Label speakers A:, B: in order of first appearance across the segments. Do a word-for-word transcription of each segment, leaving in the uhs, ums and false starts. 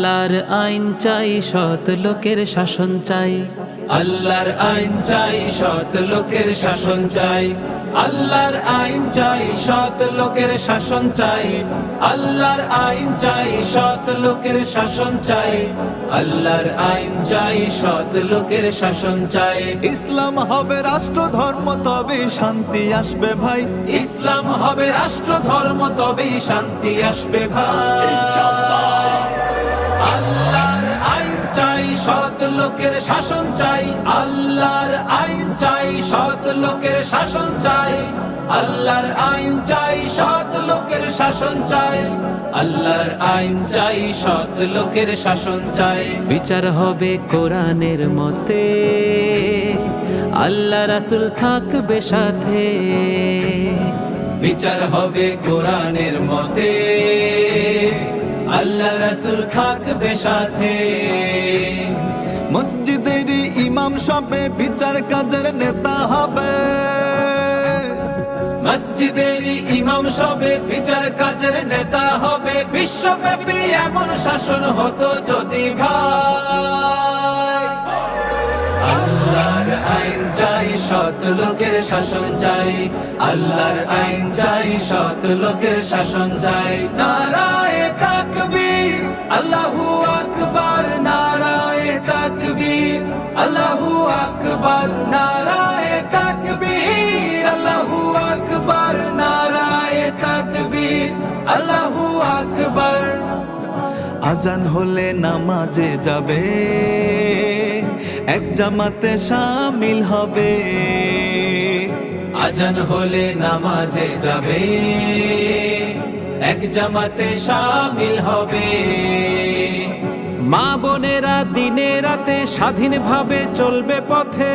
A: আল্লাহর আইন চাই, সৎ লোকের শাসন চাই।
B: আল্লাহর আইন চাই, সৎ লোকের শাসন চাই। আল্লাহর আইন চাই, সৎ লোকের শাসন চাই। আল্লাহর আইন চাই, সৎ লোকের শাসন চাই। আল্লাহর আইন চাই, সৎ লোকের শাসন চাই।
C: ইসলাম হবে রাষ্ট্র ধর্ম, তবে শান্তি আসবে ভাই।
B: ইসলাম হবে রাষ্ট্র ধর্ম, তবেই শান্তি আসবে ভাই। আল্লাহর আইন চাই, সৎ লোকের শাসন চাই। আল্লাহর আইন চাই, সৎ লোকের শাসন চাই। আল্লাহর আইন চাই, সৎ লোকের শাসন চাই। আল্লাহর আইন চাই, সৎ লোকের শাসন চাই।
A: বিচার হবে কোরআনের মতে, আল্লাহ রাসূল থাকবে সাথে।
B: বিচার হবে কোরআনের মতে, আল্লাহ রাসূল থাকবে সাথে।
C: মসজিদের ইমাম সবে বিচার কাজের নেতা হবে।
B: মসজিদের ইমাম সবে বিচার কাজের নেতা হবে। বিশ্বব্যাপী এমন শাসন হতো যদি ভাই। আল্লাহর আইন চাই, সৎ লোকের শাসন চাই। আল্লাহর আইন চাই, সৎ লোকের শাসন চাই। নারায়ে তাকবীর, আল্লাহু আকবার। নারায়ে তাকবীর, আল্লাহু আকবার। নারায়ে তাকবীর, আল্লাহু আকবার। নারায়ে তাকবীর, আল্লাহু আকবার।
C: আজান হলে নামাজে যাবে, এক জামাতে শামিল হবে।
B: আজান হলে নামাজে যাবে, এক জামাতে শামিল হবে।
A: মা বোনেরা দিনে রাতে স্বাধীনভাবে চলবে পথে।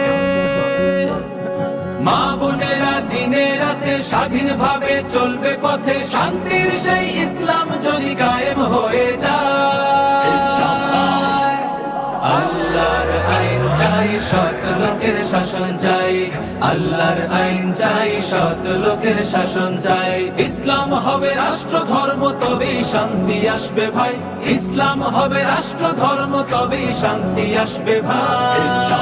B: মা বোনেরা দিনে রাতে স্বাধীনভাবে চলবে পথে। শান্তির সেই ইসলাম যদি কায়েম হয়ে যায়। আল্লাহর আইন চাই, সৎ লোকের শাসন চাই। আল্লাহর আইন চাই, সৎ লোকের শাসন চাই। ইসলাম হবে রাষ্ট্র ধর্ম, তবেই শান্তি আসবে ভাই। ইসলাম হবে রাষ্ট্র ধর্ম, তবেই শান্তি আসবে ভাই।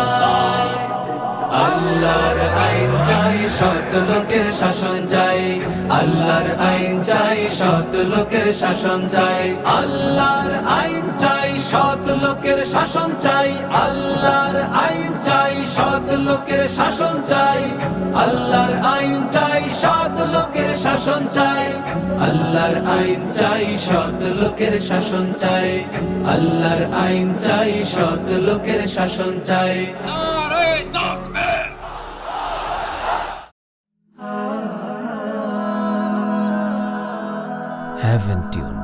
B: আল্লাহর আইন চাই, সৎ লোকের শাসন চাই। আল্লাহর আইন চাই, সৎ লোকের শাসন চাই। আল্লাহর আইন চাই, সৎ লোকের শাসন চাই। আল্লাহর আইন চাই, সৎ লোকের শাসন চাই। আল্লাহর আইন চাই, সৎ লোকের শাসন চাই। আল্লাহর আইন চাই, সৎ লোকের শাসন চাই। আল্লাহর আইন চাই, সৎ লোকের শাসন চাই।
D: Heaven Tune